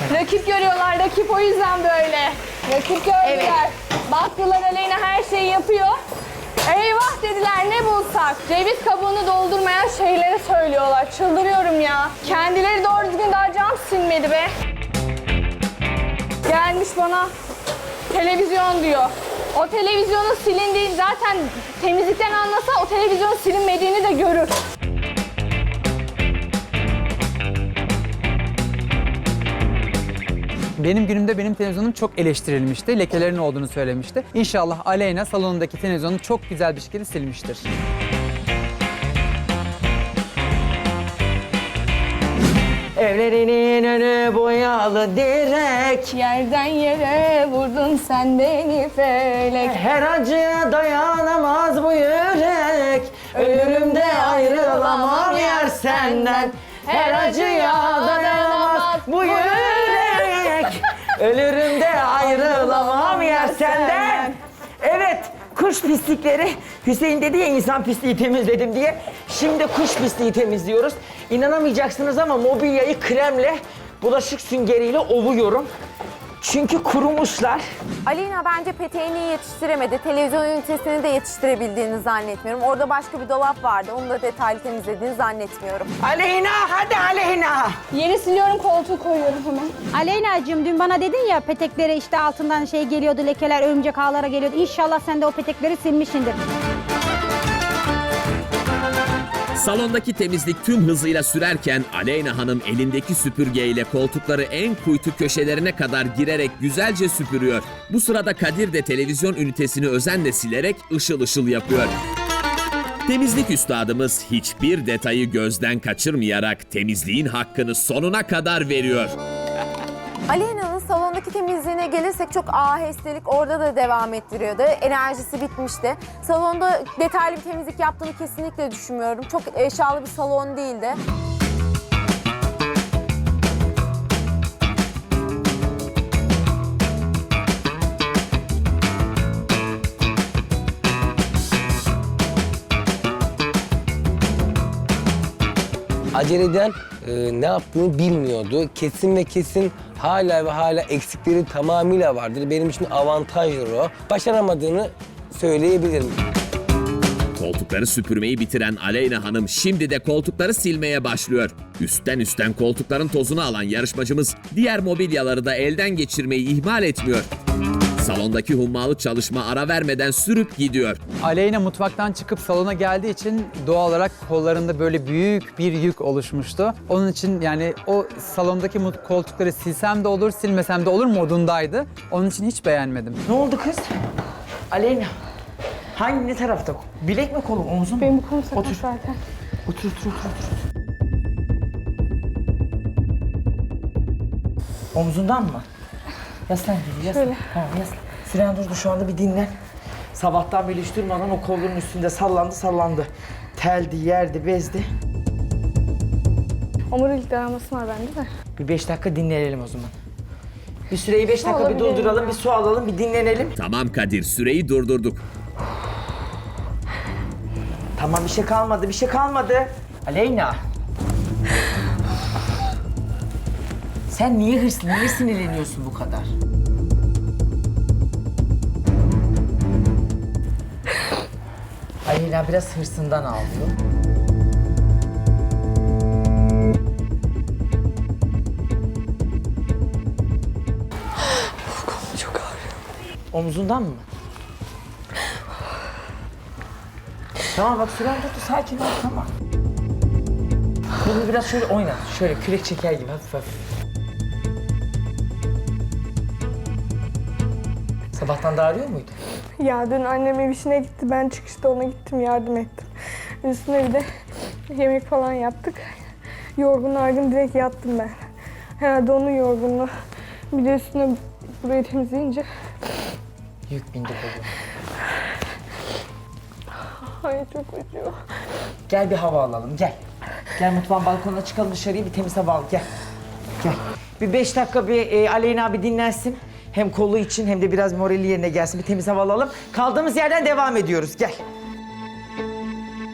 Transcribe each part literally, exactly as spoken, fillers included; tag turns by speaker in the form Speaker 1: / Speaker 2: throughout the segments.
Speaker 1: Rakip görüyorlar, rakip o yüzden böyle. Rakip gördüler.
Speaker 2: Evet.
Speaker 1: Baktılar Aleyna her şeyi yapıyor. Eyvah dediler ne bulsak. Ceviz kabuğunu doldurmayan şeyleri söylüyorlar. Çıldırıyorum ya. Kendileri doğru düzgün daha cam silmedi be. Gelmiş bana televizyon diyor. O televizyonun silindiği zaten temizlikten anlasa o televizyonun silinmediğini de görür.
Speaker 3: Benim günümde benim televizyonum çok eleştirilmişti. Lekelerin olduğunu söylemişti. İnşallah Aleyna salonundaki televizyonu çok güzel bir şekilde silmiştir.
Speaker 2: Evlerinin önü boyalı direk.
Speaker 1: Yerden yere vurdun sen beni felek.
Speaker 2: Her acıya dayanamaz bu yürek. Ölürüm de ayrılamam yer senden. Her acıya dayanamaz bu yürek. Ölürüm de ayrılamam yer senden. Evet, kuş pislikleri. Hüseyin dedi ya insan pisliği temizledim diye. Şimdi kuş pisliği temizliyoruz. İnanamayacaksınız ama mobilyayı kremle, bulaşık süngeriyle ovuyorum. Çünkü kurumuşlar.
Speaker 4: Aleyna bence peteğini yetiştiremedi. Televizyon ünitesini de yetiştirebildiğini zannetmiyorum. Orada başka bir dolap vardı. Onu da detaylı temizlediğini zannetmiyorum.
Speaker 2: Aleyna, hadi Aleyna.
Speaker 1: Yeri siliyorum, koltuğu koyuyorum hemen.
Speaker 5: Aleyna'cığım dün bana dedin ya peteklere işte altından şey geliyordu, lekeler, örümcek ağlara geliyordu. İnşallah sen de o petekleri silmişsindir.
Speaker 6: Salondaki temizlik tüm hızıyla sürerken Aleyna Hanım elindeki süpürgeyle koltukları en kuytu köşelerine kadar girerek güzelce süpürüyor. Bu sırada Kadir de televizyon ünitesini özenle silerek ışıl ışıl yapıyor. Temizlik üstadımız hiçbir detayı gözden kaçırmayarak temizliğin hakkını sonuna kadar veriyor.
Speaker 4: Aleyna'nın salondaki temizliğine gelirsek çok ahestelik orada da devam ettiriyordu. Enerjisi bitmişti. Salonda detaylı bir temizlik yaptığını kesinlikle düşünmüyorum. Çok eşyalı bir salon değildi.
Speaker 7: Aceleden e, ne yaptığını bilmiyordu. Kesin ve kesin hala ve hala eksikleri tamamıyla vardır. Benim için avantajdır o. Başaramadığını söyleyebilirim.
Speaker 6: Koltukları süpürmeyi bitiren Aleyna Hanım şimdi de koltukları silmeye başlıyor. Üstten üstten koltukların tozunu alan yarışmacımız diğer mobilyaları da elden geçirmeyi ihmal etmiyor. Salondaki hummalı çalışma ara vermeden sürüp gidiyor.
Speaker 3: Aleyna mutfaktan çıkıp salona geldiği için doğal olarak kollarında böyle büyük bir yük oluşmuştu. Onun için yani o salondaki mut- koltukları silsem de olur, silmesem de olur modundaydı. Onun için hiç beğenmedim.
Speaker 2: Ne oldu kız? Aleyna. Hangi ne tarafta? Bilek mi kolum, omzum mu?
Speaker 1: Benim bu kolum sakat
Speaker 2: Otur.
Speaker 1: zaten.
Speaker 2: Otur, otur, otur, otur. Omzundan mı? Yaslan gibi, yaslan.
Speaker 1: Şöyle.
Speaker 2: Tamam, yaslan. Süren durdu, şu anda bir dinlen. Sabahtan beri hiç durmadan o kolunun üstünde sallandı, sallandı. Teldi, yerdi, bezdi.
Speaker 1: Omurilik dayanması var bende de.
Speaker 2: Bir beş dakika dinlenelim o zaman. Bir süreyi beş dakika bir
Speaker 1: Olabilir
Speaker 2: durduralım,
Speaker 1: ya.
Speaker 2: bir su alalım, bir dinlenelim.
Speaker 6: Tamam Kadir, süreyi durdurduk.
Speaker 2: Tamam, bir şey kalmadı, bir şey kalmadı. Aleyna. Sen niye hırslı, niye sinirleniyorsun bu kadar? Aleyna biraz hırsından ağlıyor. Kolum çok ağrıyor. Omzundan mı? Tamam bak süren tuttu, sakin ol, tamam. Kolunu biraz şöyle oynat, şöyle kürek çeker gibi hafif hafif. Sabahtan da ağrıyor muydu?
Speaker 1: Ya dün annem ev işine gitti, ben çıkışta ona gittim, yardım ettim. Üstüne bir de yemek falan yaptık. Yorgun argın direkt yattım ben. Herhalde onun yorgunluğu. Bir de üstüne burayı temizleyince...
Speaker 2: Yük bindi kolum.
Speaker 1: Ay çok acıyor.
Speaker 2: Gel bir hava alalım, gel. Gel mutfağın balkonuna çıkalım dışarıya, bir temiz hava al, gel. Gel. Bir beş dakika bir e, Aleyna bir dinlensin. Hem kolu için hem de biraz morali yerine gelsin, bir temiz hava alalım. Kaldığımız yerden devam ediyoruz, gel.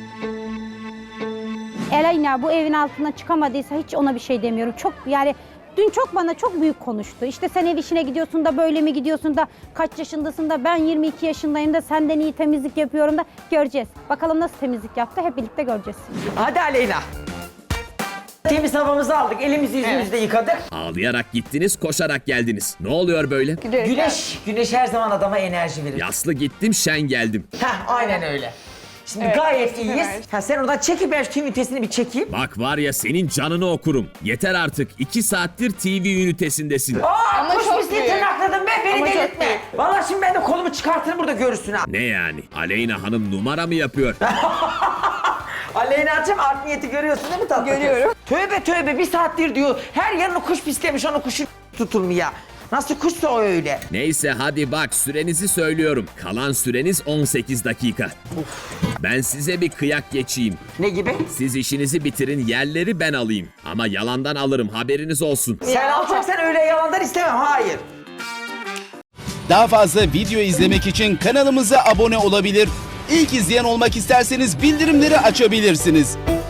Speaker 5: Aleyna bu evin altına çıkamadıysa hiç ona bir şey demiyorum. Çok yani Dün çok bana çok büyük konuştu. İşte sen ev işine gidiyorsun da böyle mi gidiyorsun da kaç yaşındasın da ben yirmi iki yaşındayım da senden iyi temizlik yapıyorum da göreceğiz. Bakalım nasıl temizlik yaptı hep birlikte göreceğiz.
Speaker 2: Hadi Aleyna. Temiz havamızı aldık, elimizi yüzümüzü de yıkadık.
Speaker 6: Ağlayarak gittiniz, koşarak geldiniz. Ne oluyor böyle?
Speaker 2: Güneş, güneş her zaman adama enerji verir.
Speaker 6: Yaslı gittim, şen geldim.
Speaker 2: Heh, aynen öyle. Şimdi
Speaker 1: Evet,
Speaker 2: gayet
Speaker 1: hemen.
Speaker 2: iyiyiz. Ha, sen oradan çekip ben şu tüm ünitesini bir çekeyim.
Speaker 6: Bak var ya senin canını okurum. Yeter artık. iki saattir T V ünitesindesin.
Speaker 2: Aa,
Speaker 1: Ama
Speaker 2: kuş
Speaker 1: çok
Speaker 2: pisliği
Speaker 1: büyük.
Speaker 2: tırnakladım be, beni
Speaker 1: Ama çok
Speaker 2: delirtme.
Speaker 1: büyük.
Speaker 2: Vallahi şimdi ben de kolumu çıkartırım burada görürsün ha.
Speaker 6: Ne yani? Aleyna Hanım numara mı yapıyor?
Speaker 2: Aleyna'cığım art niyeti görüyorsun değil mi tatlı kız?
Speaker 1: Görüyorum.
Speaker 2: Tövbe tövbe bir saattir diyor. Her yanını kuş pislemiş, onun kuşu tutulmuyor. Nasıl kuşsa o öyle.
Speaker 6: Neyse hadi bak sürenizi söylüyorum. Kalan süreniz on sekiz dakika. Ben size bir kıyak geçeyim.
Speaker 2: Ne gibi?
Speaker 6: Siz işinizi bitirin, yerleri ben alayım. Ama yalandan alırım, haberiniz olsun.
Speaker 2: Sen alacaksan öyle yalandan istemem, hayır.
Speaker 8: Daha fazla video izlemek için kanalımıza abone olabilir. İlk izleyen olmak isterseniz bildirimleri açabilirsiniz.